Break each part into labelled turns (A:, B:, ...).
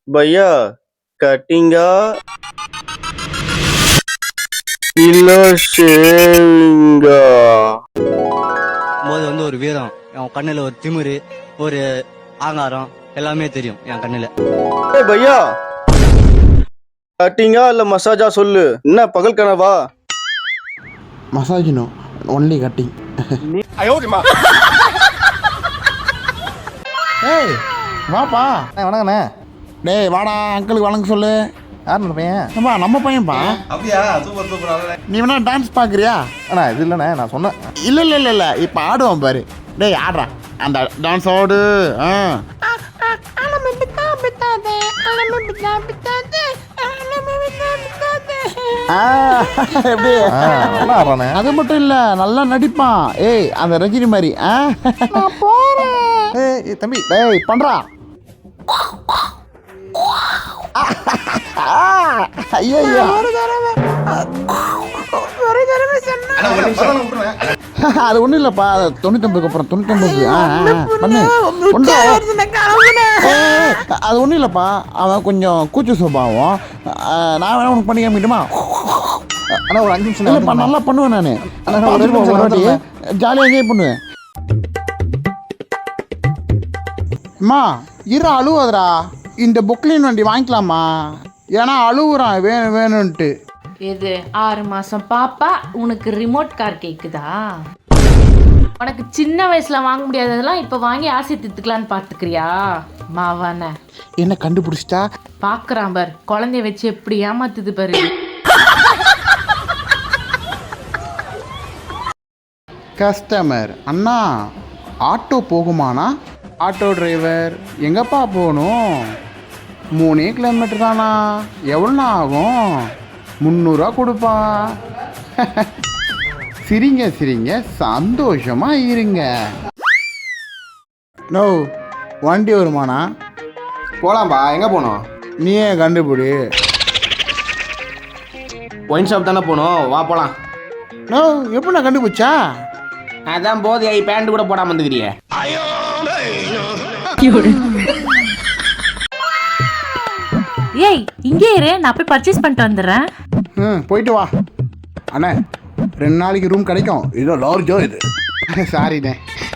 A: பையா கட்டிங்கா இல்ல ஷேவிங்கா?
B: போது வந்து ஒரு வீரம், என் கண்ணுல ஒரு திமிரு, ஒரு ஆங்காரம் எல்லாமே தெரியும் என் கண்ணுல.
A: ஏய் பையா, கட்டிங்கா இல்ல மசாஜா சொல்லு, என்ன பகல் கனவா?
C: Massage no, only cutting. ஏய் வாப்பா.
D: வணக்கண்ணே.
C: டேய் வாடா, அங்கிளுக்கு வணக்கம் சொல்லு.
D: யார் அந்த பையன்?
C: ஏம்பா நம்ம பையன்பா.
E: அப்படியா? Super super.
C: நீ வேணா டான்ஸ் பார்க்குறியா?
D: அண்ணா இது இல்லைண்ணே, நான் சொன்னேன்.
C: இல்லை இப்போ ஆடுவான் பாரு. டேய் ஆடுறா, அந்த டான்ஸ் ஆடு. எப்படி
D: நல்லா ஆடுறானே.
C: அது மட்டும் இல்லை, நல்லா நடிப்பான். ஏய் அந்த ரஜினி மாதிரி. நான் போகிறேன்.
D: ஏய் தம்பி,
C: டேய் பண்ணுறா. ஐயோ அது ஒன்றும் இல்லைப்பா, 99 அப்புறம் 99 பண்ணு ஒன்று. அது ஒன்றும் இல்லைப்பா, அவன் கொஞ்சம் கூச்ச சுபாவம். நான் வேணா உனக்கு பண்ணி காமிக்கிட்டுமா?
D: அண்ணா ஒரு 5 நிமிஷம்
C: இல்லைப்பா, நல்லா பண்ணுவேன் நான். ஜாலியாக என்ஜாய் பண்ணுவேன். அம்மா இரு, அழுவாதரா. இந்த பொக்லின் வண்டி வாங்கிக்கலாமா? ஏன்னா அழுகுறான் வேணும்ன்ட்டு.
F: இது 6 மாசம் பாப்பா, உனக்கு ரிமோட் கார் கேக்குதா? உனக்கு சின்ன வயசுல வாங்க முடியாததெல்லாம் இப்ப வாங்கி ஆசை தித்துக்கலான்னு பாத்துக்கிறியா மாவான?
C: என்ன கண்டுபிடிச்சிட்டா?
F: பாக்குறான் பார், குழந்தைய வச்சு எப்படி ஏமாத்துது பாரு.
C: கஸ்டமர் அண்ணா, ஆட்டோ போகுமாண்ணா? ஆட்டோ டிரைவர் எங்கப்பா போகணும்? 3 கிலோமீட்டர் தானா? எவ்வளோண்ணா ஆகும்? 300 கொடுப்பா. சிரிங்க சந்தோஷமா இருங்க. நோ வண்டி வருமாண்ணா?
E: போலாம்பா. எங்க போனோம்?
C: நீயே கண்டுபிடி.
E: ஒயின் ஷாப் தானே போனோம், வா போலாம்.
C: நோ எப்படிண்ணா கண்டுபிடிச்சா?
E: அதான் போது பேண்ட் கூட போடாம வந்துக்கிறியே.
F: ஏய் இங்கே இரு, நான் போய் பர்ச்சேஸ் பண்ணிட்டு வந்துடுறேன்.
C: போயிட்டு வா. அண்ணே 2 நாளைக்கு ரூம் கிடைக்கும்.
D: இதோ லார்ஜோ இது.
C: சாரிண்ணே.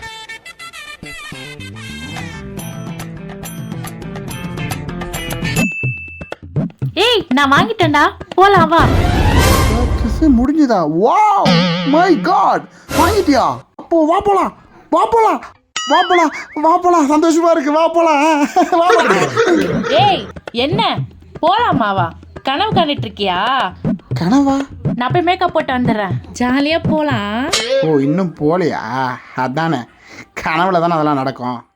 F: ஏய் நான் வாங்கிட்டேன்டா, போலாம் வா.
C: கிஸ் முடிஞ்சுதா? வாவ் மை காட், வாங்கிட்டியா? அப்போ வா போலாம். சந்தோஷமா இருக்கு, வா போலாம்.
F: ஏய் என்ன போலாமாவா? கனவு கண்டுட்டு இருக்கியா?
C: கனவா?
F: நான் போய் மேக்கப் போட்டு வந்துடுறேன், ஜாலியா போலாம்.
C: ஓ இன்னும் போலையா? அதானே, கனவுல தானே அதெல்லாம் நடக்கும்.